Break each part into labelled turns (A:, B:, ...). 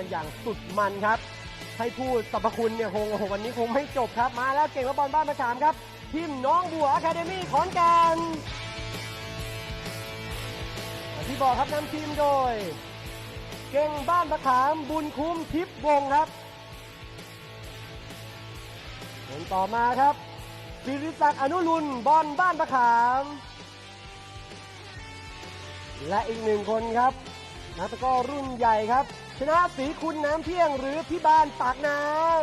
A: อย่างสุดมันครับให้พูดสรรพคุณเนี่ยคงวันนี้คงไม่จบครับมาแล้วเก่งและบอลบ้านมะขามครับทีมน้องบัวอะคาเดมี่ขอนแก่นที่บอกครับนำทีมโดยเก่งบ้านมะขามบุญคุ้มทิพย์วงศ์ครับคนต่อมาครับศิริศักดิ์อนุรุณบอลบ้านมะขามและอีกหนึ่งคนครับนักตะกร้อรุ่นใหญ่ครับชนะศรีคุณน้ำเที่ยงหรือพี่บานปากน้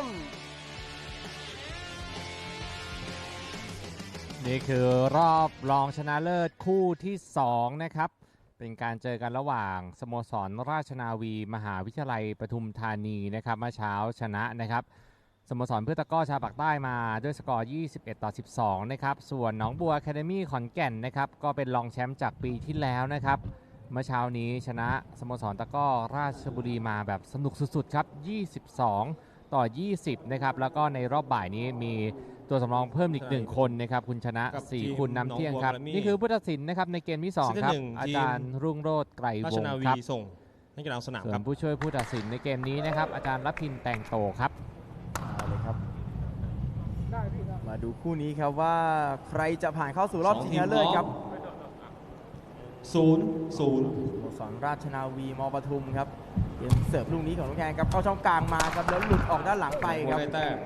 B: ำนี่คือรอบรองชนะเลิศคู่ที่2นะครับเป็นการเจอกันระหว่างสโมสรราชนาวีมหาวิทยาลัยปทุมธานีนะครับเมื่อเช้าชนะนะครับสโมสรเพื่อตะกร้อชาวปากใต้มาด้วยสกอร์21-12นะครับส่วนหนองบัวอะคาเดมี่ขอนแก่นนะครับก็เป็นรองแชมป์จากปีที่แล้วนะครับเมื่อเช้านี้ชนะสโมสรตะกร้อราชบุรีมาแบบสนุกสุดๆครับ22-20นะครับแล้วก็ในรอบบ่ายนี้มีตัวสำรองเพิ่มอีก1คนนะครับคุณชนะ4คุณน้ำเที่ยงครับนี่คือผู้ตัดสินนะครับในเกมที่2ครับอาจารย์รุ่งโรจน์ไกรวงศ์ครับ
C: ส่งให้กลางสนาม
B: ส่วนผู้ช่วยผู้ตัดสินในเกมนี้นะครับอาจารย์รัฐพินแต่งโตครับ
D: เลยครับมาดูคู่นี้ครับว่าใครจะผ่านเข้าสู่รอบชิงชนะเลิศครับ
C: 0-0ส
D: โมสรราชนาวีมปทุมครับเกมเสิร์ฟลูกนี้ของน้องแคนครับเข้าช่องกลางมาครับแล้วหลุดออกด้านหลังไปครับ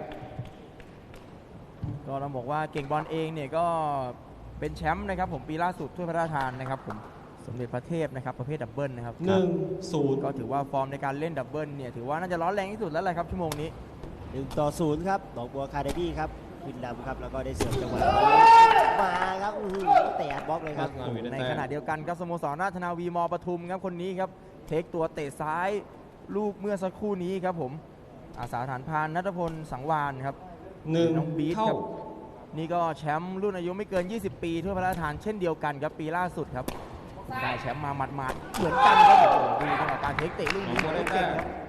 D: ก็เราบอกว่าเก่งบอลเองเนี่ยก็เป็นแชมป์นะครับผมปีล่าสุดถ้วยพระราชทานนะครับผมสมเด็จพระเทพนะครับประเภทดับเบิลนะครับ
C: 1-0
D: ก็ถือว่าฟอร์มในการเล่นดับเบิลเนี่ยถือว่าน่าจะร้อนแรงที่สุดแล้วแหละครับชั่วโมงนี้
E: 1-0ครับหนองบัวอะคาเดมี่ครับขึ้นนำครับแล้วก็ได้เสิร์ฟจังหวะมาครับเตะบล็อกเลยครับ
D: ในขณะเดียวกันครับสโมสรราชนาวีมปทุมครับคนนี้ครับเทคตัวเตะซ้ายลูกเมื่อสักครู่นี้ครับผมอาสาฐานพานณัฐพลสังวานครับน้องบีทครับนี่ก็แชมป์รุ่นอายุไม่เกิน20ปีทั่วพระราชทานเช่นเดียวกันครับปีล่าสุดครับได้แชมป์มาหมาดๆเหมือนกันครับดูจังหวะการเทคเตะลูกนี้ของเก่งครับ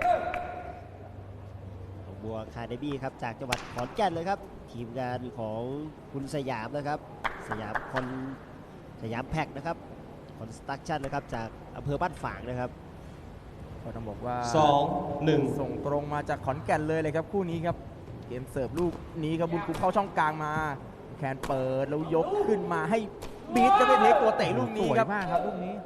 E: บัวอะคาเดมี่ครับจากจังหวัดขอนแก่นเลยครับทีมงานของคุณสยามนะครับสยามแพ็กนะครับคอนสตรักชั่นนะครับจากอำเภอบ้านฝางนะครับ
D: ก็ต้องบอกว่า
C: 2-1
D: ส่งตรงมาจากขอนแก่นเลยครับคู่นี้ครับเกมเสิร์ฟลูกนี้ครับบุญคุ้มเข้าช่องกลางมาแคนเปิดแล้วยกขึ้นมาให้บีทจะไปเทคตัวเตะลูกนี้ครับ
B: สวยมากครับลูกนี้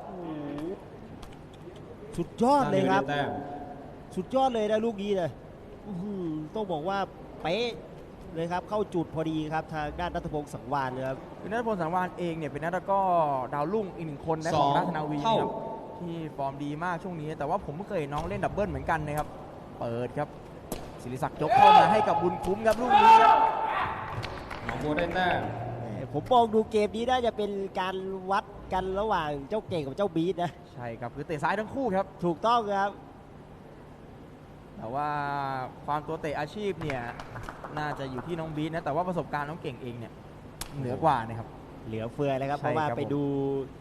E: สุดยอดเลยครับสุดยอดเลยนะลูกนี้เลยต้องบอกว่าเป๊ะเลยครับเข้าจุดพอดีครับทางด้านณัฐพงศ์สังวานเลยครับ
D: ณัฐพงศ์สังวานเองเนี่ยเป็นนักตะกร้อดาวรุ่งอีก1คนนะของราชนาวีครับที่ฟอร์มดีมากช่วงนี้แต่ว่าผมไม่เคยเห็นน้องเล่นดับเบิลเหมือนกันนะครับเปิดครับศิริศักดิ์ยกเข้ามาให้กับบุญคุ้มครับลูกนี้ครับ
C: หนองบัวได้แต้ม
E: ผมมองดูเกมนี้น่าจะเป็นการวัดกันระหว่างเจ้าเก่งกับเจ้าบีทนะ
D: ใช่ครับคือเตะซ้ายทั้งคู่ครับ
E: ถูกต้องครับ
D: แต่ว่าความตัวเตะอาชีพเนี่ยน่าจะอยู่ที่น้องบีทนะแต่ว่าประสบการณ์น้องเก่งเองเนี่ยเหนือกว่านะครับ
E: เหลือเฟือเลยครับเพราะว่าไปดู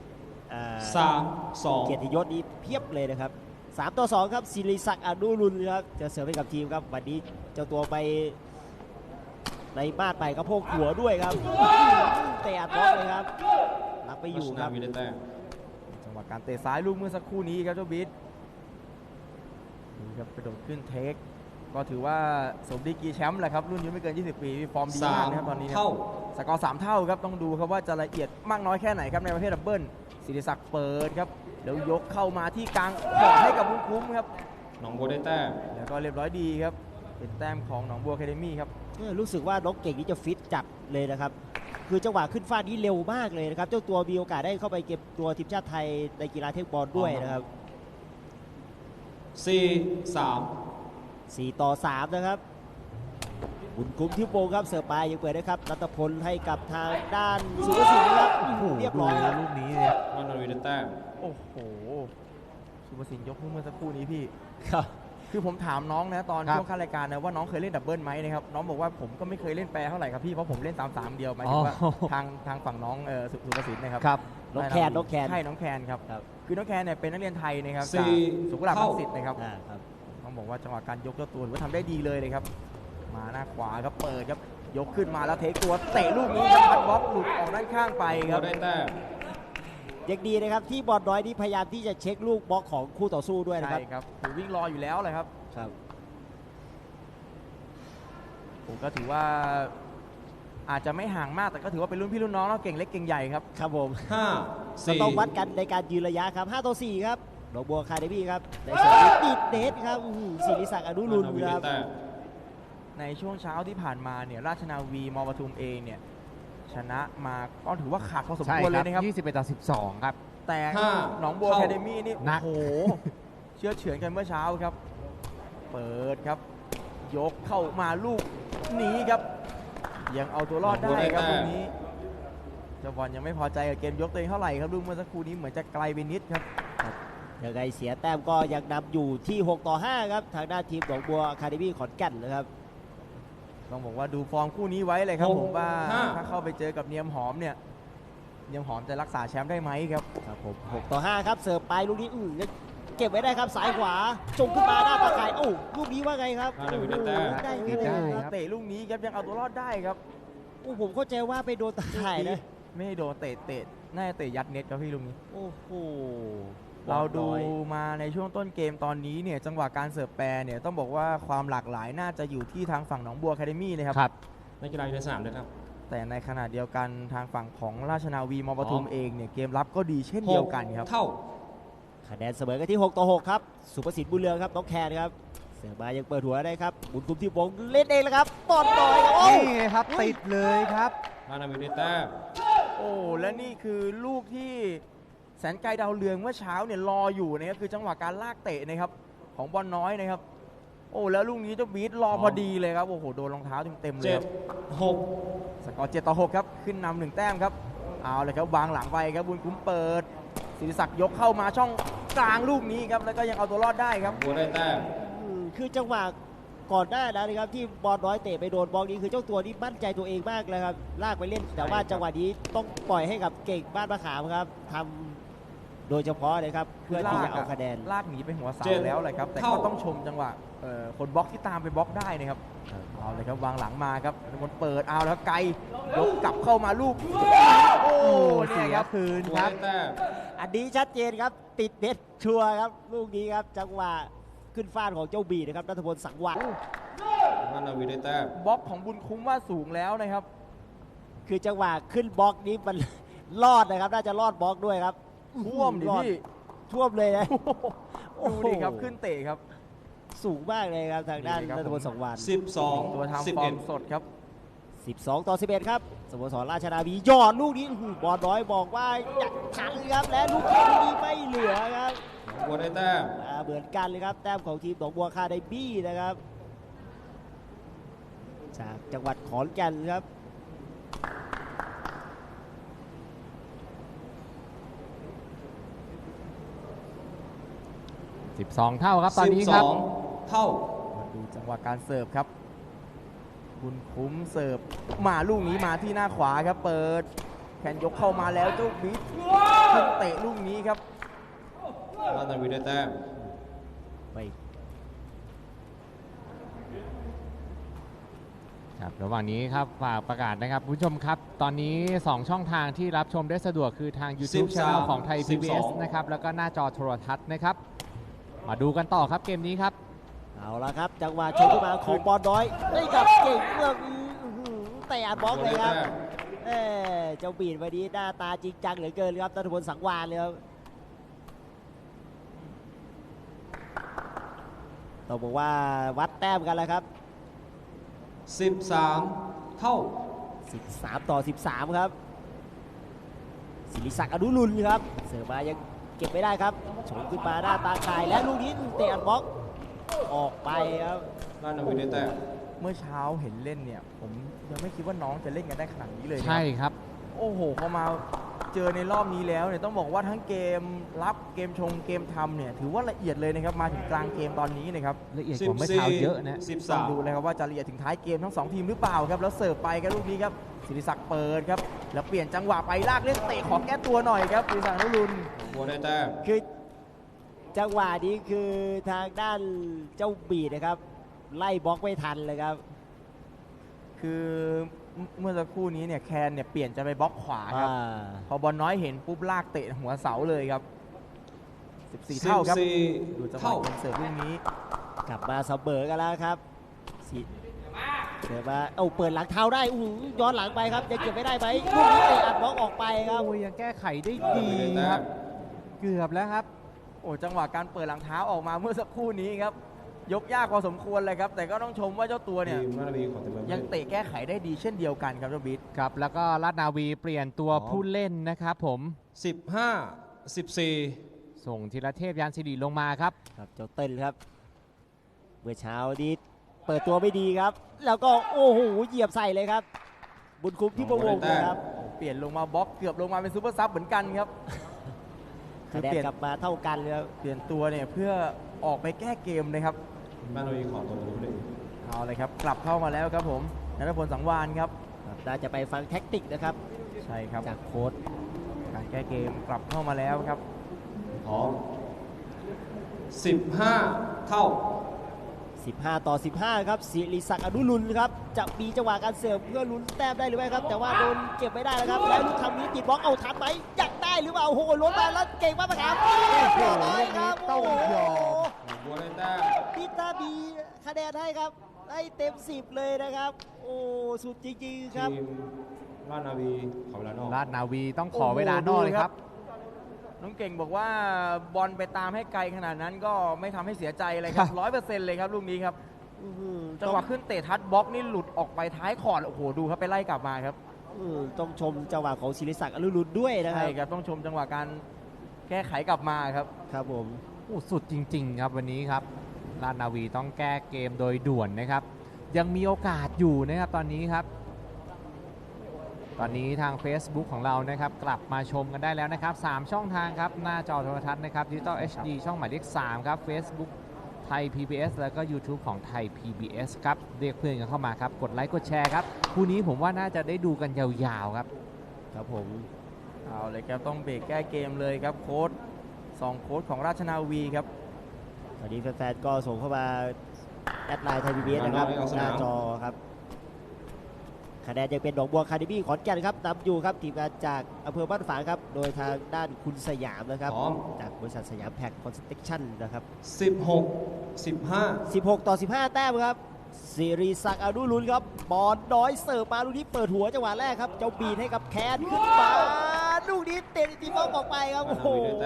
C: 3-2
E: เกียรติยศนี้เพียบเลยนะครับ3-2ครับศิริศักดิ์อนุรุณครับจะเสิร์ฟให้กับทีมครับวันนี้เจ้าตัวไปในบ้านไปกระโพกหัวด้วยครับเตะอัดบล็อกเลยครับรับไปอยู่ครับ
D: จังหวะการเตะซ้ายลูกเมื่อสักครู่นี้ครับเจ้าบีทนี่ครับกระโดดขึ้นเทคก็ถือว่าสมดีกรีแชมป์แหละครับรุ่นอายุไม่เกิน20ปีฟอร์มดีมากนะครับตอนนี้สกอร์3 เท่าครับต้องดูครับว่าจะละเอียดมากน้อยแค่ไหนครับในประเภทดับเบิลศิริศักดิ์เปิดครับแล้วยกเข้ามาที่กลางขอให้กับบุญคุ้มครับ
C: หนองบัวได้แต้ม
D: แล้วก็เรียบร้อยดีครับเป็นแต้มของหนองบัวอะคาเดมี่ครับ
E: รู้สึกว่าน้องเก่งนี่จะฟิตจัดเลยนะครับคือจังหวะขึ้นฟาดนี้เร็วมากเลยนะครับเจ้าตัวมีโอกาสได้เข้าไปเก็บตัวทีมชาติไทยในกีฬาเทคบอลด้วยนะครับ4-3นะครับบุญคุ้มที่โปงครับเสิร์ฟไปยังเปิดนะครับรัตพลให้กับทางด้านสุภสินครับเรียบร้อยครับ
D: ลูกนี้เนี่ย
C: นนทวีได้แต้ม
D: โอ้โหสุภสินยกเมื่อสักครู่นี้พี่
E: ครับ
D: คือผมถามน้องนะตอนช่วงขั้นรายการนะว่าน้องเคยเล่นดับเบิลไหมนะครับน้องบอกว่าผมก็ไม่เคยเล่นแปรเท่าไหร่ครับพี่เพราะผมเล่น3-3เดียวหมายถึงว่าทางฝั่งน้องสุภสินนะครับ
E: น้องแคน
D: ใช่น้องแคนครับคือน้องแคนเนี่ยเป็นนักเรียนไทยนะครับจากสุขุมวิทรังสิตนะครับต้องบอกว่าจังหวะการยกเจ้าตัวถือว่าทำได้ดีเลยครับมาหน้าขวาครับเปิดครับยกขึ้นมาแล้วเทคตัวเตะลูกนี้ครับพัดบล็อกหลุดออกด้านข้างไปครับ
E: ยยังดีนะครับที่บอลน้อยนี่พยายามที่จะเช็คลูกบล็อกของคู่ต่อสู้ด้วยนะครับ
D: ใช่ครับคือวิ่งรออยู่แล้วเลยครับ
E: ครับ
D: ผมก็ถือว่าอาจจะไม่ห่างมากแต่ก็ถือว่าเป็นรุ่นพี่รุ่นน้องแล้วเก่งเล็กเก่งใหญ่ครับ
E: ครับผม
C: ห้า
E: ก็
C: สี่
E: ต้องวัดกันในการยืนระยะครับ5ต่อ4ครับหนองบัวคาเดมี่ครับในสนามติดเดชครับศิริศักดิ์อนุรุณ
C: ราชนาวี
E: ค
C: ได้
E: รับ
C: แต้ม
D: ในช่วงเช้าที่ผ่านมาเนี่ยราชนาวีมปทุมเองเนี่ยชนะมาก็ถือว่าขาดพอสม
B: ใช่
D: ควร
B: ค
D: เล
B: รั
D: ยนะครับ
B: 21 ต่อ 12 ครับ
D: แต่
C: ห้า
D: หนองบัว
C: เข้า
D: แคเดมี่นี่
B: หนัก
D: โอ้โห เชื่อเฉือนกันเมื่อเช้าครับ เปิดครับ ยกเข้ามาลูกนี้ครับ ยังเอาตัวรอดได้ครับตรงนี้เจ้าบอลยังไม่พอใจกับเกมยกตัวเองเท่าไหร่ครับลูกเมื่อสักครู่นี้เหมือนจะไกลไปนิดครับ
E: ยังไงเสียแต้มก็ยังนำอยู่ที่6ต่อ5ครับทางด้านทีมหนองบัวคาเดมี่ขอนแก่นนะครับ
D: ต้องบอกว่าดูฟอร์มคู่นี้ไว้เลยครับ
C: หก
D: ผมว่า
C: ห้า
D: ถ้าเข้าไปเจอกับเนียมหอมเนี่ยเนียมหอมจะรักษาแชมป์ได้ไหมครับ
E: ครับผม6ต่อ5ครับเสิร์ฟไปลูกนี้เก็บไว้ได้ครับสายขวาจงขึ้นมาหน้าตาข่ายโอ้ลูกนี้ว่าไงครับ
C: ราชนาวีได้แต้ม
E: ได้
B: ติด
E: เล
B: ได้
E: ย
B: ครับ
D: เตะลูกนี้ครับยังเอาตัวรอดได้ครับ
E: โอ้ผมเข้าใจว่าไปโดนตาข่ายนะ
D: ไม่ได้โดนเตะน่าจะเตะยัดเน็ตครับพี่ลูกนี้
E: โอ้โห
D: เราดู
E: น้อย
D: มาในช่วงต้นเกมตอนนี้เนี่ยจังหวะการเสิร์ฟแปรเนี่ยต้องบอกว่าความหลากหลายน่าจะอยู่ที่ทางฝั่งหนองบัวแคเดมี่นะครับ
B: ครับ
C: นักกีฬาอยู่ในสนามด้วยครับ
D: แต่ในขณะเดียวกันทางฝั่งของราชนาวีมปทุม
C: อ๋อ
D: เองเนี่ยเกมรับก็ดีเช่นเดียวกันครับ
C: เท่า
E: คะแนนเสมอกันที่6ต่อ6ครับสุภสิทธิ์บุญเรืองครับน้องแคนครับเสือมายังเปิดหัวได้ครับบุญคุมที่วงเล่นเองแล้วครับบอลน้อยครับโอ้
B: นี่ไงครับ ติดเลยครับ
C: ราชนาวีได้แต้ม
D: โอ้และนี่คือลูกที่แสนไกลดาวเรืองเมื่อเช้าเนี่ยรออยู่นะครับคือจังหวะการลากเตะนะครับของบอลน้อยนะครับ โอ้แล้วลูกนี้เจ้าบีทรอพอดีเลยครับโอ้โหโดนรองเท้าเต็มๆเลย
C: เจ็
D: ค
C: ด
D: รับ
C: หก
D: สกอร์7ต่อ6ครับขึ้นนำ1แต้มครับเอาเลยครับวางหลังไปครับบุญคุ้มเปิดศิริศักดิ์ยกเข้ามาช่องกลางลูกนี้ครับแล้วก็ยังเอาตัวรอดได้ครับ
C: บัวได้แต้ม
E: คือจังหวะก่อนหน้านั้นนะครับที่บอลน้อยเตะไปโดนบอลนี้คือเจ้าตัวนี้มั่นใจตัวเองมากเลยครับลากไปเล่นแต่ว่าจังหวะนี้ต้องปล่อยให้กับเก่งบ้านมะขามครับทำโดยเฉพาะเลยครับเพื่อที่จะเอาคะแนน
D: ลากหนีไปหัวเสา
C: เจ็ด
D: แล้วเลยครับแต่
C: เท่า
D: ก็ต้องชมจังหวะคนบล็อกที่ตามไปบล็อกได้นะครับ
E: ครับ
D: เอาเลยครับวางหลังมาครับคนเปิดเอาแล้วไกลยกกลับเข้ามาลูกโอ้เนี่ยครับ
B: คืน
C: บัว
B: ครับ
C: ได้แต้ม
E: อันนี้ชัดเจนครับติดเน็ตชัวร์ครับลูกนี้ครับจังหวะขึ้นฟาดของเจ้าบีนะครับนัทพลสังวร
C: ราชนาวีได้แต้ม
D: บล็อกของบุญคุ้มว่าสูงแล้วนะครับ
E: คือจังหวะขึ้นบล็อกนี้มัน รอดนะครับน่าจะรอดบล็อกด้วยครับ
D: ท่วมดิ
E: รอด
D: พี่
E: ท่วมเลยนะ
D: ดูดิครับขึ้นเตะครับ
E: สูงมากเลยครับทางด้าน
D: นี่ครับ
E: นัทพลสังวร
C: 12
D: ตัวทำฟอร์
C: 11
D: มสดครับ
E: 12ต่อ11ครับสโมสรราชนาวียอดลูกนี้บอลน้อยบอกว่าอยากทันครับและลูกนี้ไม่เหลือครับ
C: บัวได้แต้ม
E: เหมือนกันเลยครับแต้มของทีมหนองบัวคาไดบี้นะครับจากจังหวัดขอนแก่นครับ
B: 12 เท่าครับตอนนี้ครับ
C: 12 เท่า
D: มาดูจังหวะการเสิร์ฟครับ บุญคุ้มเสิร์ฟมาลูกนี้มาที่หน้าขวาครับ เปิดแขนยกเข้ามาแล้วเจ้าบิ๊กขึ้นเตะลูกนี้ครับ
C: ราชนาวีได้แต้ม
E: ไม่
B: ครับระหว่างนี้ครับฝากประกาศนะครับคุณผู้ชมครับ ตอนนี้ 2 ช่องทางที่รับชมได้สะดวกคือทาง YouTube
C: 13
B: Channel ของไทย PBS
C: 12
B: นะครับแล้วก็หน้าจอโทรทัศน์นะครับ มาดูกันต่อครับเกมนี้ครับ
E: เอาละครับจังหวะชกขึ้นมาของบอลน้อยได้กับเก่งเมืองแต่อัดบล็อกเลยครับเจ้าบีดวันนี้หน้าตาจริงจังเหลือเกินครับนัทพลสังวานเลยครับต้องบอกว่าวัดแต้มกันแล้วครับ
C: 13 เท่า
E: 13ต่อ13ครับศิริศักดิ์อนุรุณครับเสิร์ฟมายังเก็บไม่ได้ครับชงขึ้นมาหน้าตาข่ายและลูกนี้เตะอัดบล็อกออกไปครับ
C: ราชนาวีได้แต้ม
D: เมื่อเช้าเห็นเล่นเนี่ย ผมยังไม่คิดว่าน้องจะเล่นกันได้ขนาดนี้เลยนะ
B: ใช่ครับ
D: โอ้โหพอมาเจอในรอบนี้แล้วเนี่ยต้องบอกว่าทั้งเกมรับเกมชงเกมทำเนี่ยถือว่าละเอียดเลยนะครับมาถึงกลางเกมตอนนี้นะครับ
B: ละเอียดกว่าเมื่อเช้าเยอะนะ
D: ต้องดู
C: 13
D: เลยครับว่าจะละเอียดถึงท้ายเกมทั้ง 2 ทีมหรือเปล่าครับแล้วเสิร์ฟไปครับลูกนี้ครับศิริศักดิ์เปิดครับแล้วเปลี่ยนจังหวะไปลากเล่นเตะขอแก้ตัวหน่อยครับศิริศักดิ์อนุรุณ
C: บัวได้แต้ม
E: คือจังหวะนี้คือทางด้านเจ้าบีดนะครับ ไล่บล็อกไม่ทันเลยครับ
D: คือเมื่อสักครู่นี้เนี่ยแคนเนี่ยเปลี่ยนจะไปบล็อกขวาครับ พอบอลน้อยเห็นปุ๊บลากเตะหัวเสาเลยครับ 14 เท่าครับ ดูจังหวะ
C: เท่า
D: เกมเสิร์ฟลูกนี้
E: กลับมาเสมอกันแล้วครับเดี๋ยวมาเปิดหลังเท้าได้ย้อนหลังไปครับยังเก็บไม่ได้ไหมลูกนี้เตะอัดบล็อกออกไปครับ
B: โอ้ยยังแก้ไขได้
C: ราช
B: ดี
C: นาวีได้
B: ค
C: แต้
B: รับ
C: ม
B: เกือบแล้วครับ
D: โอ้จังหวะการเปิดหลังเท้าออกมาเมื่อสักครู่นี้ครับยกยากพอสมควรเลยครับแต่ก็ต้องชมว่าเจ้าตัวเนี่ย
C: ทีมราชนาวีขอเต็มมือ
D: ยังเตะแก้ไขได้ดีเช่นเดียวกันครับเจ้าบิ๊ก
B: ครับ แล้วก็ราชนาวีเปลี่ยนตัวผู้เล่นนะครับผม
C: 15-14
B: ส่งธีรเทพยานสิริลงมาครับ
E: ครับเจ้าเต้นครับเมื่อเช้านี้เปิดตัวไม่ดีครับ แล้วก็โอ้โหเหยียบใส่เลยครับ บุญคุ้มที่ประวงศ์นะครับ
D: เปลี่ยนลงมาบล็อกเกือบลงมาเป็นซูเปอร์ซับเหมือนกันครับ
E: คะแนนกลับมาเท่ากันเลยครับ
D: เปลี่ยนตัวเนี่ยเพื่อออกไปแก้เกมนะครับ
C: ราชนาวีขอตัวผู้เล่น
D: เอาเลยครับกลับเข้ามาแล้วครับผมณัฐพลสังวานครับ
E: ครับน่าจะไปฟังแท็กติกนะครับ
D: ใช่ครับ
E: จากโค้ช
D: การแก้เกมกลับเข้ามาแล้วครับ
C: พร้อม15 เท่า
E: 15-15 ครับศิริศักดิ์อนุรุณครับจะมีจังหวะการเสิร์ฟเพื่อลุ้นแต้มได้หรือไม่ครับ แต่ว่าโดนเก็บไม่ได้แล้วครับแล้วลูกทำนี้ติดบล็อกเอาทันไหมอยากได้หรือเปล่าโอ้โหล้นมาแล้วเก่งมากครับโอ้โหครับโอ้โห
C: หนองบัวได้แต้ม
E: พิตาบีคะแนนให้ครับให้เต็ม 10 เลยนะครับ โอ้สุดจริงๆครับ
C: ทีมราชนาวีขอเวลานอก
B: ราชนาวีต้องขอเวลานอกเลยครับ
D: น้องเก่งบอกว่าบอลไปตามให้ไกลขนาดนั้นก็ไม่ทำให้เสียใจเลยครับ 100% เลยครับลูกนี้ครับ จังหวะขึ้นเตะทัดบล็อกนี่หลุดออกไปท้ายคอร์ดโอ้โหดูครับไปไล่กลับมาครับ
E: ต้องชมจังหวะของศิริศักดิ์อนุรุณด้วยนะค
D: ใช่
E: รับ
D: ครับต้องชมจังหวะการแก้ไขกลับมาครับ
E: ครับผม
B: โอ้สุดจริง ๆ ครับวันนี้ครับราชนาวีต้องแก้เกมโดยด่วนนะครับ ยังมีโอกาสอยู่นะครับตอนนี้ครับ ตอนนี้ทาง Facebook ของเรานะครับกลับมาชมกันได้แล้วนะครับ 3 ช่องทางครับ หน้าจอโทรทัศน์นะครับ Digital HD ช่องหมายเลข 3 ครับ Facebook ไทย PBS แล้วก็ YouTube ของไทย PBS ครับ เรียกเพื่อนกันเข้ามาครับ กดไลค์กดแชร์ครับคู่นี้ผมว่าน่าจะได้ดูกันยาวๆครับ
E: ครับผม
D: เอาเลยครับต้องเบรกแก้เกมเลยครับโค้ด2โค้ดของราชนาวีครับ
E: ตอนนี้แฟนๆก็ส่งเข้ามาแอดไลน์ไทยพีบีเอสนะครับหน้าจอครับคะแนนยังเป็นหนองบัวคาเดมี่ขอนแก่นครับนำอยู่ครับทีมงานจากอำเภอบ้านฝางครับโดยทางด้านคุณสยามนะครับ
C: พร้อม
E: จากบริษัทสยามแพ็คคอนสตรักชั่นนะครับ
C: 16-15
E: 16-15 แต้มครับศิริศักดิ์อนุรุณครับบอลน้อยเสิร์ฟมาลูกนี้เปิดหัวจังหวะแรกครับเจ้าบีนให้กับแคนขึ้นมาลูกนี้เตะตีบอลออกไปครับโอ้โห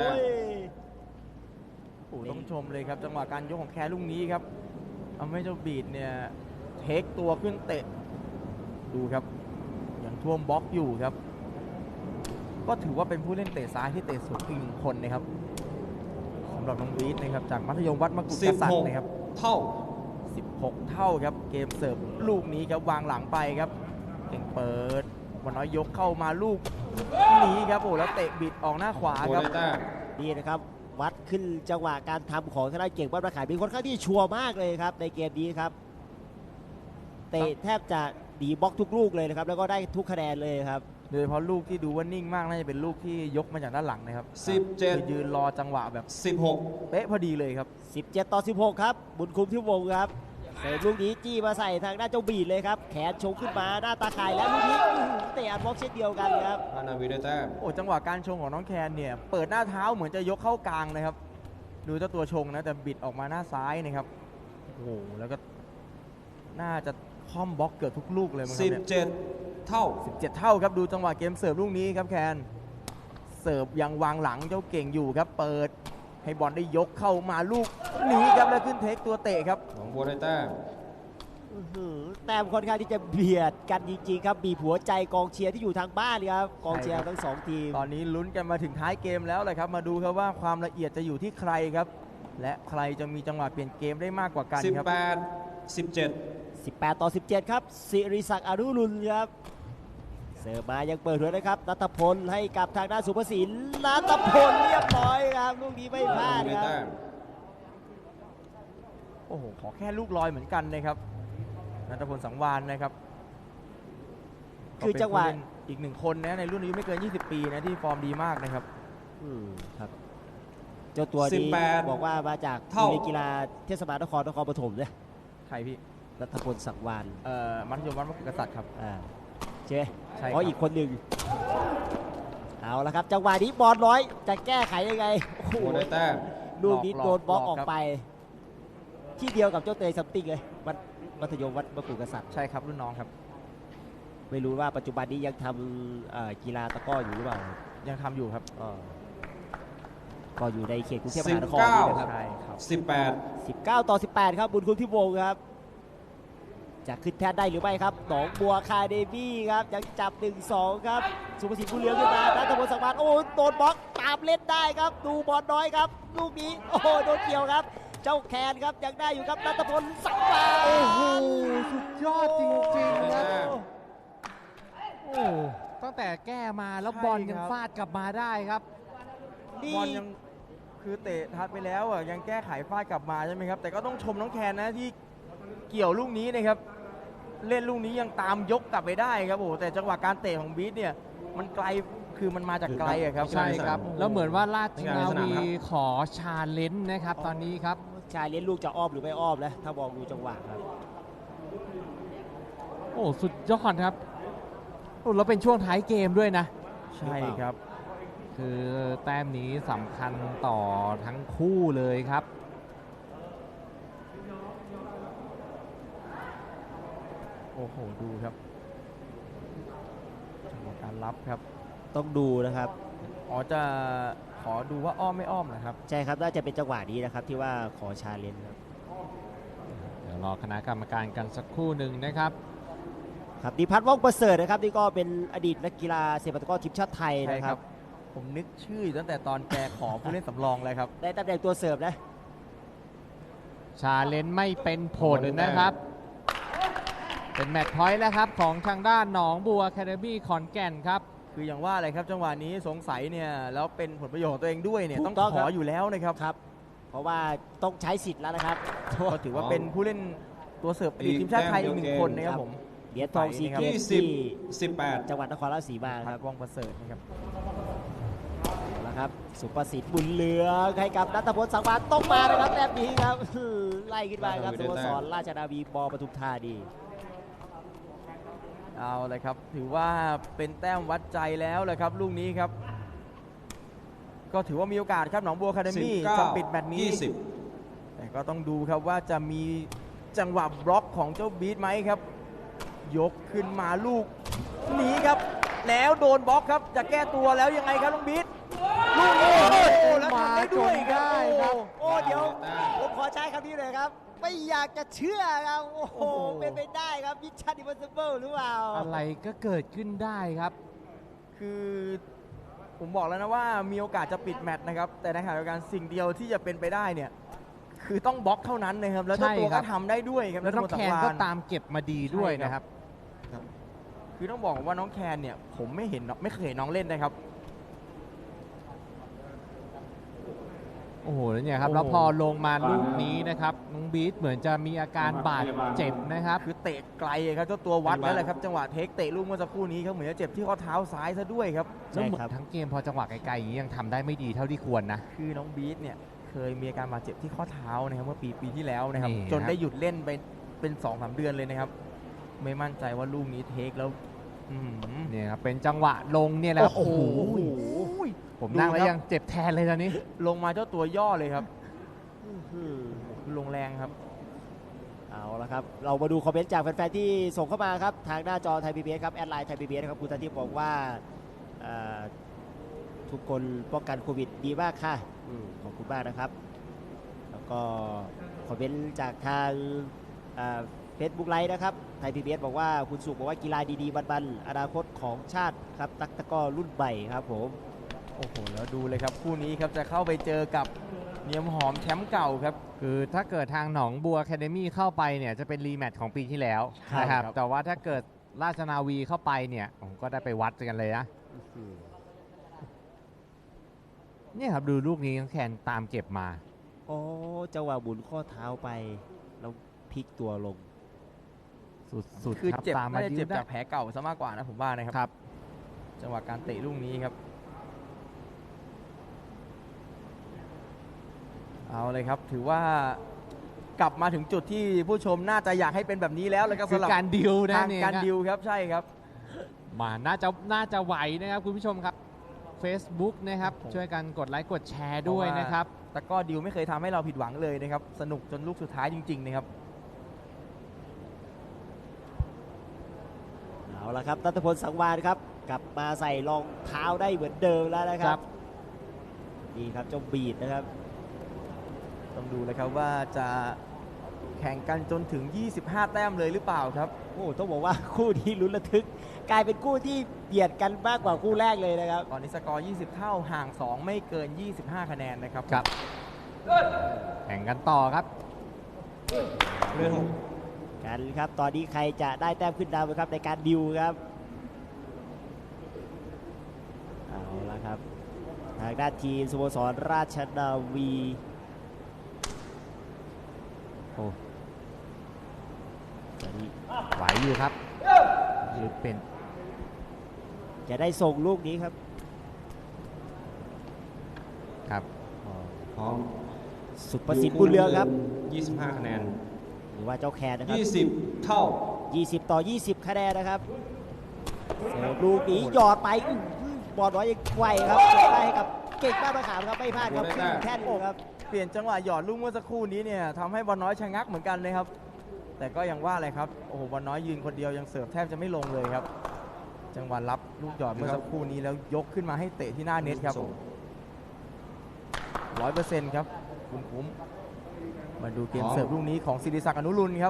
D: โอ้ต้องชมเลยครับจังหวะการยกของแคร์ลูกนี้ครับเอาให้เจ้าบีดเนี่ยเทคตัวขึ้นเตะดูครับยังท่วมบล็อกอยู่ครับ ก็ถือว่าเป็นผู้เล่นเตะซ้ายที่เตะสูงอีกหนึ่งคนนะครับสำหรับน้องบีดนะครับจากมัธยมวัดมกุฎกษัตริย์นะครับ
C: เท่า
D: 16 เท่าครับเกมเสิร์ฟลูกนี้ครับวางหลังไปครับเก่งเปิดวันน้อยยกเข้ามาลูกนี้ครับโอ้แล้วเตะบิดออกหน้าขวา
C: บัว
D: ครับ
C: ได้แต้ม
E: นี่นะครับวัดขึ้นจังหวะการทำของทางด้านเก่งบ้านประขายเป็นค่อนข้างที่ชัวร์มากเลยครับในเกมนี้ครับเตะแทบจะดีบล็อกทุกลูกเลยนะครับแล้วก็ได้ทุกคะแนนเลยครับ
D: โดยเฉพาะลูกที่ดูว่านิ่งมากน่าจะเป็นลูกที่ยกมาจากด้านหลังนะครับ
C: 17
D: คือยืนรอจังหวะแบบ
C: 16
D: เป๊ะพอดีเลยครับ
E: 17-16 ครับบุญคุ้มที่วงครับเสิร์ฟลูกนี้จี้มาใส่ทางด้านเจ้าบีดเลยครับแขนชงขึ้นมาหน้าตาข่ายแล้วลูกนี้เตะอัดบล็อกเช่นเดียวกันครับ
C: ราชนาวีได้แต้ม
D: โอ้จังหวะการชงของน้องแคนเนี่ยเปิดหน้าเท้าเหมือนจะยกเข้ากลางนะครับ ดูเจ้าตัวชงนะแต่บิดออกมาหน้าซ้ายนะครับโอ้โหแล้วก็น่าจะค่อมบล็อกเกือบทุกลูกเลยมั้งครับเนี่ย
C: 17 เท่า
D: 17 เท่าครับดูจังหวะเกมเสิร์ฟลูกนี้ครับแคนเสิร์ฟยังวางหลังเจ้าเก่งอยู่ครับเปิดให้บอลได้ยกเข้ามาลูกนี้ครับแล้วขึ้นเทคตัวเตะครับ
C: หนองบัวได้แต้ม
E: แต้มค่อนข้างที่จะเบียดกันจริงๆครับบีบหัวใจกองเชียร์ที่อยู่ทางบ้านเลยครับกองเชียร์ทั้งสองทีม
D: ตอนนี้ลุ้นกันมาถึงท้ายเกมแล้วเลยครับมาดูครับว่าความละเอียดจะอยู่ที่ใครครับ และใครจะมีจังหวะเปลี่ยนเกมได้มากกว่ากันครับ
C: 18 17
E: 18-17 ครับศิริศักดิ์อนุรุณครับเสิร์ฟมายังเปิดหัวนะครับนัทพลให้กับทางด้านสุภสินนัทพลเรียบร้อยครับลูกนี้ไม่พลาด
C: ได้
E: ครับ
C: แต้ม
D: โอ้โหขอแค่ลูกลอยเหมือนกันนะครับนัทพลสังวานนะครับ
E: คือจังหวะ
D: ก็เป็นผู้เล่นอีกหนึ่งคนนะในรุ่นอายุไม่เกิน 20 ปีนะที่ฟอร์มดีมากนะครับ
E: ครับเจ้าตัวนี้บอกว่ามาจากโรงเรียนกีฬาเทศบาลนครปฐมเนี่ย
D: ใครพี่
E: นัทพลสังวาน
D: มัธยมวัดมกุฎกษัตริย์ครับ
E: อ่าใช่ไหม
D: ใช่ครับ
E: เพราะอีกคนหนึ่งเอาละครับจังหวะนี้บอลน้อยจะแก้ไขยังไงโอ้โห
C: โบได้แต้ม
E: ลูกนี้โดนบล็อก
D: หลอก
E: ออกไป ที่เดียวกับเจ้าเตยซัมติงเลยมัธยมวัดมะกรูดกษัตริย์
D: ใช่ครับรุ่นน้องครับ
E: ไม่รู้ว่าปัจจุบันนี้ยังทำกีฬาตะกร้ออยู่หรือเปล่า
D: ยังทำอยู่ครับ
E: ก็อยู่ในเขตกรุงเทพมหานครนี่นะครับ
D: ใช่ครับ
C: 18
E: 19 ต่อ 18 ครับบุญคุณพี่วงศ์ครับ จะขึ้นแทนได้หรือไม่ครับหนองบัวคาเดมี่ครับยังจับ 1-2 ครับสุภสิทธิ์บุญเหลืองขึ้นมานัทพลสังวานโอ้โดนบล็อกตามเล่นได้ครับดูบอลน้อยครับลูกนี้โอ้โหโดนเกี่ยวครับ เจ้าแคนครับยังได้อยู่ครับนัทพลสังวาน
B: โอ้โหสุดยอดจริงๆครับ โอ้ตั้งแต่แก้มาแล้ว
D: ใช่
B: บอลยัง
D: ครับ
B: ฟาดกลับมาได้ครับ
E: นี่
D: บอลยังคือเตะทัดไปแล้วอ่ะยังแก้ไขฟาดกลับมาใช่ไหมครับ แต่ก็ต้องชมน้องแคนนะที่เกี่ยวลูกนี้นะครับ เล่นลูกนี้ยังตามยกกลับไปได้ครับโอ้โหแต่จังหวะการเตะของบีทเนี่ยมันไกลคือมันมาจากไกลอะครับ
B: ใช่ครับ
D: โอ้โห
B: แล้วเหมือนว่าราชนา
C: ในสนาม
B: วี
C: ครับ
B: ขอชาเลนจ์นะครับตอนนี้ครับ
E: ชายเลี้ยงลูกจะอ้อมหรือไม่อ้อมนะถ้ามองดูจังหวะครับ
B: โอ้สุดยอดครับโอ้แล้วเป็นช่วงท้ายเกมด้วยนะ
D: ใช่ครับ
B: คือแต้มนี้สำคัญต่อทั้งคู่เลยครับ
D: โอ้โหดูครับจังหวะการรับครับ
E: ต้องดูนะครับ
D: อ๋อจะขอดูว่าอ้อมไม่อ้อมนะครับ
E: ใช่ครับน่าจะเป็นจังหวะนี้นะครับที่ว่าขอชาเลนจ์ครับ
B: เดี๋ยวรอคณะกรรมการกันสักครู่หนึ่งนะครับ
E: ครับดิพัฒน์ว่องประเสริฐนะครับนี่ก็เป็นอดีตนักกีฬาเซปัตะกร้อทีมชาติไทย
D: ใช่
E: นะค
D: ค
E: รั
D: รับ บ ผมนึกชื่ออยู่ตั้งแต่ตอนแกขอผู้เล่นสำรองเลยครับ
E: ได้ตำแหน่งตัวเสิร์ฟนะ
B: ชาเลนจ์ไม่เป็นผลนะครับ เป็นแมตช์พอยต์แล้วครับของทางด้านหนองบัวแคเดมี่ขอนแก่นครับ
D: คืออย่างว่าเลยครับจังหวะนี้สงสัยเนี่ยแล้วเป็นผลประโยชน์ของตัวเองด้วยเนี่ย
E: ถู
D: ต้อง
E: กต้อง
D: ข
E: ครั
D: อบ อยู่แล้วนะครับ
E: ครับ เพราะว่าต้องใช้สิทธิ์แล้วนะครับ
D: ก็ถือว่าเป็นผู้เล่นตัวเสิร์ฟอดีตทีมชาติไทยอีกหนึ่งคนนะครับผม
E: เหรียญทองซี
D: ครับ
E: เกมส์ที่
C: 18
E: จังหวัดนครราชสีมาค
D: พั
E: รั
D: ด
E: บ
D: ว่องประเสริฐนะครับ
E: นะครับสุประสิทธิ์บุญเหลืองให้กับนัทพลสังวานต้องมานะครับแบบนี้ครับไล่ขึ้นมาครับสโมสรราชนาวีบปทุมธานี
D: เอาเลยครับถือว่าเป็นแต้มวัดใจแล้วเลยครับลูกนี้ครับ ก็ถือว่ามีโอกาสครับหนองบัวคาเดมี่จะปิดแมตช์นี้
C: 20
D: แต่ก็ต้องดูครับว่าจะมีจังหวะบล็อกของเจ้าบีทไหมครับ ยกขึ้นมาลูกนี้ครับ แล้วโดนบล็อกครับจะแก้ตัวแล้วยังไงครับน้องบีทลูกนี้โอ้โหแล้วทำได้ด้วยครับ
B: มาจนได้ครับ
E: โอ้เดี๋ยวผมขอใช้คำนี้เลยครับ ไม่อยากจะเชื่อครับโอ้โหเป็นไปได้ครับมิชชั่นอิมพอสซิเบิลหรือเปล่า
B: อะไรก็เกิดขึ้นได้ครับ
D: คือผมบอกแล้วนะว่ามีโอกาสจะปิดแมตช์นะครับ แต่ในขณะเดียวกันสิ่งเดียวที่จะเป็นไปได้เนี่ยคือต้องบล็อกเท่านั้นนะครับ แล้วเจ้าตัว
B: ใช่ครั
D: ก็
B: บ
D: ทำได้ด้วยครับ
B: แล้วน้องแคนก็ตามเก็บมาดีด้วย
D: ใช่ครับ
B: นะครับ
D: คือต้องบอกว่าน้องแคนเนี่ยผมไม่เคยเห็นน้องเล่นนะครับ
B: โอ้โหแล้วเนี่ยครับ
D: โอ้โห
B: แล้วพอลงมาลูกนี้นะครับน้องบีทเหมือนจะมีอาการบาดเจ็บนะครับ
D: คือเตะไกลครับเจ้าตัววัดแล้วแหละครับจังหวะเทคเตะลูกเมื่อสักครู่นี้ครับเหมือนจะเจ็บที่ข้อเท้าซ้ายซะด้วยครับ
B: แล้วเหมือนทั้งเกมพอจังหวะไกลๆอย่างนี้ยังทำได้ไม่ดีเท่าที่ควรนะ
D: คือน้องบีทเนี่ยเคยมีอาการบาดเจ็บที่ข้อเท้านะครับเมื่อปีที่แล้วนะครับ
B: นี่ครับ
D: จนได้หยุดเล่นไปเป็น 2-3 เดือนเลยนะครับ ไม่มั่นใจว่าลูกนี้เทคแล้วอื้อหือ
B: เนี่ยครับเป็นจังหวะลงเนี่ยแหละครับ
D: โอ้โห
B: ผมนั่งแล้ว
D: ดูครับ
B: ยังเจ็บแทนเลยตอนนี้
D: ลงมาเจ้าตัวย่อเลยครับ
E: อืม
D: คือลงแรงครับ
E: เอาละครับ เรามาดูคอมเมนต์จากแฟนๆที่ส่งเข้ามาครับ ทางหน้าจอไทยพีบีเอสครับ แอดไลน์ไทยพีบีเอสนะครับคุณทันทิพย์บอกว่าอ่าทุกคนป้องกันโควิดดีมากค่ะขอบคุณมากนะครับ แล้วก็คอมเมนต์จากทางเฟซบุ๊กไลฟ์นะครับไทยพีบีเอสบอกว่าคุณสุขบอกว่ากีฬาดีๆบันๆอนาคตของชาติครับตักตะกร้อรุ่นใหม่ครับผม
D: โอ้โห แล้วดูเลยครับคู่นี้ครับจะเข้าไปเจอกับเนียมหอมแชมป์เก่าครับ
B: คือถ้าเกิดทางหนองบัวแคเดมี่เข้าไปเนี่ยจะเป็นรีแมตช์ของปีที่แล้ว
D: ใช่
B: นะครับ
D: ครับ
B: แต่ว่าถ้าเกิดราชนาวีเข้าไปเนี่ยผมก็ได้ไปวัดกันเลยนะ เนี่ยครับดูลูกนี้น้องแคนตามเก็บมา
E: โอ้จังหวะหมุนข้อเท้าไปแล้วพลิกตัวลง
B: สุด
D: คือ
B: ๆครับ
D: เจ็บ
B: ตามมา
D: น่าจะ
B: ยื
D: เจ็บ
B: นได้
D: จากแผลเก่าซะมากกว่านะผมว่านะครับ
B: ครับ
D: จังหวะการเตะลูกนี้ครับ เอาเลยครับ ถือว่ากลับมาถึงจุดที่ผู้ชมน่าจะอยากให้เป็นแบบนี้แล้วเลยครับ
B: คือ
D: สำหรับ
B: การดิวนะ
D: ทาง
B: เนี่ย
D: การ
B: นะ
D: ดิวครับใช่ครับ
B: มาน่าจะไหวนะครับคุณผู้ชมครับ Facebook นะครับช่วยกันกดไลค์กดแชร์ด้วยนะครับ
D: แต่ก็ดิวไม่เคยทำให้เราผิดหวังเลยนะครับสนุกจนลูกสุดท้ายจริงๆนะครับ
E: เอาละครับนัทพลสังวาลครับกลับมาใส่รองเท้าได้เหมือนเดิมแล้วนะค
B: ครั
E: รับบ นี่ครับเจ้าบีดนะครับ
D: ต้องดูเลยครับว่าจะแข่งกันจนถึง 25 แต้มเลยหรือเปล่าครับ
E: โอ้ต้องบอกว่าคู่นี้ลุ้นระทึก กลายเป็นคู่ที่เบียดกันมากกว่าคู่แรกเลยนะครับ
D: ตอนนี้สกอร์ 20 เท่าห่าง 2 ไม่เกิน 25 คะแนนนะครับ
B: ครับแข่งกันต่อครับ
E: กันครับตอนนี้ใครจะได้แต้มขึ้นนำครับในการดิวครับเอาละครับทางด้านทีมสโมสรราชนาวีโอ้ตอนนี้
B: ไหวอยู่ครับหรือเป็น
E: จะได้ส่งลูกนี้ครับ
B: ครับ
F: พร้อม
E: สุประสิทธิ์บุญเรืองครับ
F: 25 คะแนน
E: หรือว่าเจ้าแคนนะครับ
F: 20 เท่า
E: 20 ต่อ 20 คะแนนนะครับเสิร์ฟลูกนี้หยอดไปบอลน้อยยังไวครับเก็บได้ให้กับเก่งบ้านมะขามครับไม่พลาดครับ
F: โอ้ได้แต้ม
E: แค่นี้ครับ
D: เปลี่ยนจังหวะหยอดลูกเมื่อสักครู่นี้เนี่ยทำให้บอลน้อยชะงักเหมือนกันเลยครับ แต่ก็ยังว่าเลยครับโอ้โหบอลน้อยยืนคนเดียวยังเสิร์ฟแทบจะไม่ลงเลยครับ จังหวะรับลูกหยอดเมื่อสักครู่นี้แล้วยกขึ้นมาให้เตะที่หน้าเน็ตครับ 100% ครับคุณคุ้มมาดูเกม
F: อ๋อ
D: เสิร์ฟลูกนี้ของศิริศักดิ์อนุรุณครับ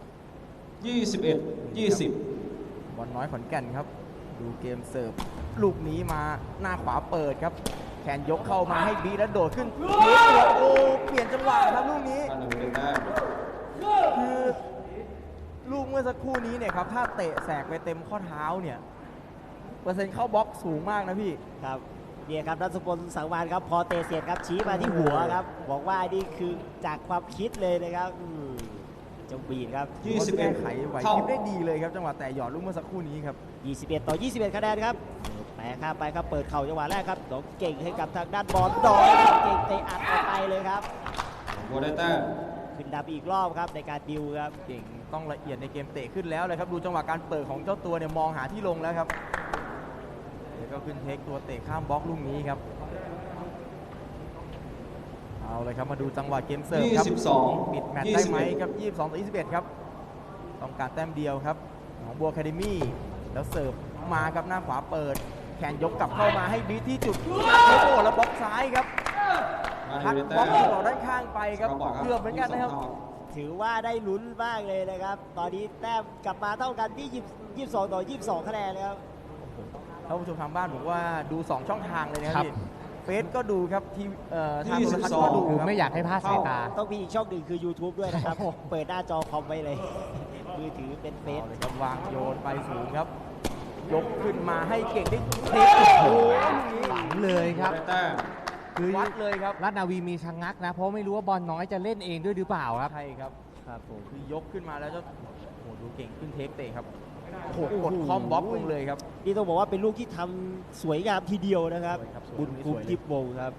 F: 21 20
D: บอลน้อยขอนแก่นครับ ดูเกมเสิร์ฟลูกนี้มาหน้าขวาเปิดครับแขนยกเข้ามาให้บีแล้วโดดขึ้นเทตัวโอ้เปลี่ยนจังหวะครับลูกนี้
F: อันหนึ่งเป็นแต้ม
D: คือลูกเมื่อสักครู่นี้เนี่ยครับถ้าเตะแสกไปเต็มข้อเท้าเนี่ยเปอร์เซ็นต์เข้าบล็อกสูงมากนะพี่
E: ครับเนี่ยครับนัทพลสังวาลครับพอเตะเสร็จครับชี้มาที่หัวครับบอกว่านี่คือจากความคิดเลยนะครับเจ้าบีดครับ
D: แก้ไขไหว
F: เท่า
D: พริบได้ดีเลยครับจังหวะแต่หยอดลูกเมื่อสักครู่นี้ครับ
E: 21 ต่อ 21 คะแนนครับแปะข้ามไปครับเปิดเข่าจังหวะแรกครับน้องเก่งให้กับทางด้านบอลดอยครับเก่งเตะอัดออกไปเลยครับ
F: บัวได้แต้ม
E: ขึ้นดับอีกรอบครับในการดิวครับ
D: เก่งต้องละเอียดในเกมเตะขึ้นแล้วเลยครับดูจังหวะการเปิดของเจ้าตัวเนี่ยมองหาที่ลงแล้วครับแล้วก็ขึ้นเทคตัวเตะข้ามบล็อกลูกนี้ครับเอาเลยครับมาดูจังหวะเกมเสิร์ฟครับ
F: 22
D: ปิดแมตช์ได้ไหมครับ 22 ต่อ 21 ครับ ต้องการแต้มเดียวครับหนองบัวแคเดมี่แล้วเสิร์ฟมาครับหน้าขวาเปิด แขนยกกลับเข้ามาให้บีทที่จุดโอ้โหแล้วบล็อกซ้ายครับ
F: มา
D: ทัด
F: ได้
D: บ
F: แต้
D: ล็อก
F: ม
D: ต่อด้านข้างไปครับ
F: สกอร์
D: เกือบเหมือนกันนะครับ
F: 22 เท่า
E: ถือว่าได้ลุ้นมากเลยนะครับ ตอนนี้แต้มกลับมาเท่ากันที่22 ต่อ 22 คะแนนนะครับ
D: ท่านผู้ชมทางบ้านผมว่าดู 2 ช่องทางเลยนะค
B: ครั
D: รับบ พี่เฟซก็ดูครับทีทางโทรทัศน์ก็ดู
B: คือ
D: ครับ
B: ไม่อยากให้พลาดสายตา
E: ต้องมีอีกช่องหนึ่งคือ YouTube ด้วยนะครับ เปิดหน้าจอคอมไว้เลย มือถือเป็นเฟซ
D: เอาเลยครับวางโยนไปสูงครับ ยกขึ้นมาให้เก่งได้เทคโอ้โหลูกนี้
B: หลังเลยครับ
F: ได้แต้ม
B: คือ
D: วัดเลยครับ
B: ราชนาวีมีชะงักนะ เพราะไม่รู้ว่าบอลน้อยจะเล่นเองด้วยหรือเปล่าครับ
D: ใช่ครับ
E: ครับผม
D: คือยกขึ้นมาแล้วจะโอ้โหดูเก่งขึ้นเทคเตะครับโอ้โหกดคอมบล็อกลงเลยครับ
E: นี่ต้องบอกว่าเป็นลูกที่ทำสวยงามทีเดียวนะครับ
D: สวยครับสวย
E: บุญคุ้ม
D: สวยเลย
E: ทิพย์วงศ์ครับ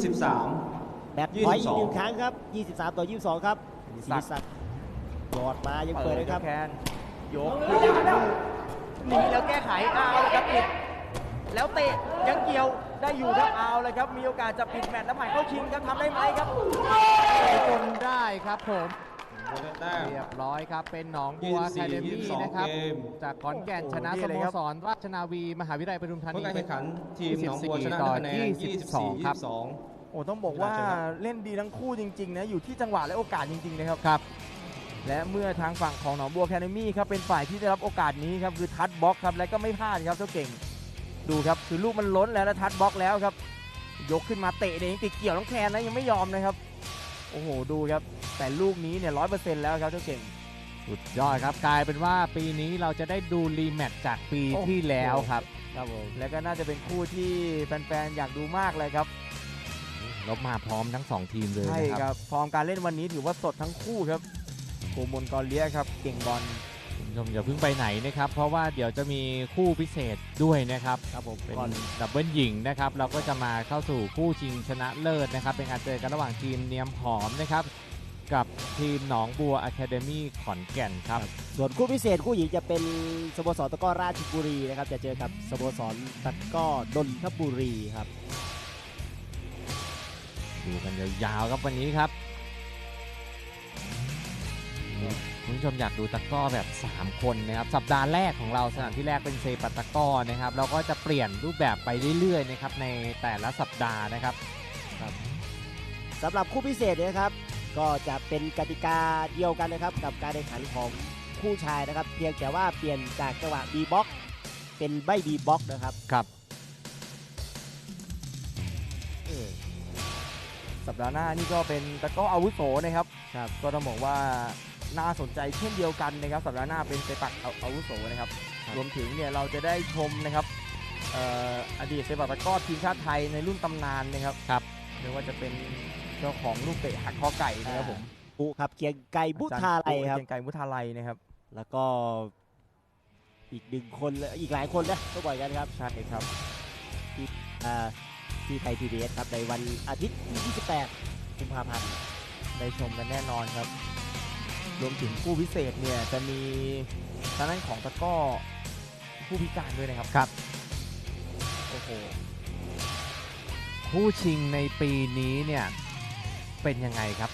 F: 23
E: แบตพอยต์อีกหนึ่งครั้งครับ 23 ต่อ 22 ครับ
D: ศิ
E: ศิ
D: ริ
E: ริ
D: ศั
E: ศั
D: ก
E: ก
D: ดิ์
E: ดิ์หยอดมายังเปิดนะครับ
D: แคนยกขึ้นมาลูกหนีแล้วแก้ไขเอาเลยครับปิดแล้วเตะยังเกี่ยวได้อยู่ครับเอาเลยครับมีโอกาสจะปิดแมตช์แล้วผ่านเข้าชิงครับทำได้ไหมครับ
B: จนได้ครับผม
F: บัวได้แต้ม
B: เรียบร้อยครับเป็นหนองบัว
F: 24
B: แคเดมี่
F: 22
B: นะครับ
F: เกม
B: จากขอนแก่น
D: โอ้โห
B: ชนะ
D: นี่
B: ส
D: เลย
B: โม
D: ครับ
B: สรราชนาวีมหาวิทยาลัยปทุมธา
F: ผล
B: นี
F: การแข่งขันทีมหนองบัวชนะ
B: ต่อ
F: ด้วยคะแนน
B: 22 ครับ
F: 22
D: โอ้ต้องบอกว่าเล่นดีทั้งคู่จริงๆนะอยู่ที่จังหวะและโอกาสจริงๆนะครับ
B: ครับ
D: และเมื่อทางฝั่งของหนองบัวแคนามี่ครับเป็นฝ่ายที่ได้รับโอกาสนี้ครับคือทัดบล็อกครับและก็ไม่พลาดครับเจ้าเก่งดูครับคือลูกมันล้นแล้วทัดบล็อกแล้วครับยกขึ้นมาเตะเนี่ยยังติดเกี่ยวน้องแคนนะยังไม่ยอมนะครับโอ้โหดูครับแต่ลูกนี้เนี่ย100%แล้วครับเจ้าเก่ง
B: สุดยอดครับกลายเป็นว่าปีนี้เราจะได้ดูรีแมตช์จากปี
D: โอ้โห
B: ที่แล้วครับ
E: ครับผม
D: และก็น่าจะเป็นคู่ที่แฟนๆอยากดูมากเลยครับ
B: ลบมาพร้อมทั้ง 2 ทีมเลย
D: ใช่
B: นะ
D: ค
B: ครับ
D: รับฟอร์มการเล่นวันนี้ถือว่าสดทั้งคู่ครับโกมลกอเลียครับเก่งบอล
B: คุณผู้ชมอย่าเพิ่งไปไหนนะครับ เพราะว่าเดี๋ยวจะมีคู่พิเศษด้วยนะครับ
E: ครับผม
B: เป็น
E: ก่อน
B: ดับเบิลหญิงนะครับ เราก็จะมาเข้าสู่คู่ชิงชนะเลิศนะครับ เป็นการเจอกันระหว่างทีมเนียมหอมนะครับกับทีมหนองบัวอะคาเดมี่ขอนแก่นครับ
E: ส่วนคู่พิเศษคู่หญิงจะเป็นสโมสรตะกร้อราชบุรีนะครับจะเจอกับสโมสรตะกร้อนนทบุรีครับ
B: ดูกันยาวๆครับวันนี้ครับคุณผู้ชมอยากดูตะกร้อแบบ 3 คนนะครับสัปดาห์แรกของเราสนามที่แรกเป็นเซปัตตะกร้อนะครับเราก็จะเปลี่ยนรูปแบบไปเรื่อยๆนะครับในแต่ละสัปดาห์นะครับ
E: สำหรับคู่พิเศษเนี่ยนะครับก็จะเป็นกติกาเดียวกันนะครับกับการแข่งขันของคู่ชายนะครับ เพียงแต่ว่าเปลี่ยนจากจังหวะ B box เป็นใบ B box นะครับ
B: ครับ
D: สัปดาห์หน้านี่ก็เป็นตะกร้ออาวุโสนะครับ
E: ครับ
D: ก็ต้องบอกว่าน่าสนใจเช่นเดียวกันนะครับสัปดาห์หน้าเป็นเซปักอาวุโสนะครับรวมถึงเนี่ยเราจะได้ชมนะครับอดีตเซปักตะกร้อทีมชาติไทยในรุ่นตำนานนะครับ
B: ครับ
D: ไม่ว่าจะเป็นเจ้าของลูกเตะหักคอไก่นะครับผม
E: ปุครับเกียงไก่บุทาไลครับ
D: เกียงไก่มุทาไลนะครับ
E: แล้วก็อีกหนึ่งคนและอีกหลายคนนะก็บ่อยกันครับ
D: ใช่ครับ
E: ที่ไทย PBS ครับในวันอาทิตย์ที่ 28 กุมภาพันธ์
D: ได้ชมกันแน่นอนครับ รวมถึงคู่พิเศษเนี่ยจะมีทางด้านของตะกร้อผู้พิการด้วยนะครับ
B: ครับ
D: โอ้โห
B: คู่ชิงในปีนี้เนี่ยเป็นยังไงครับ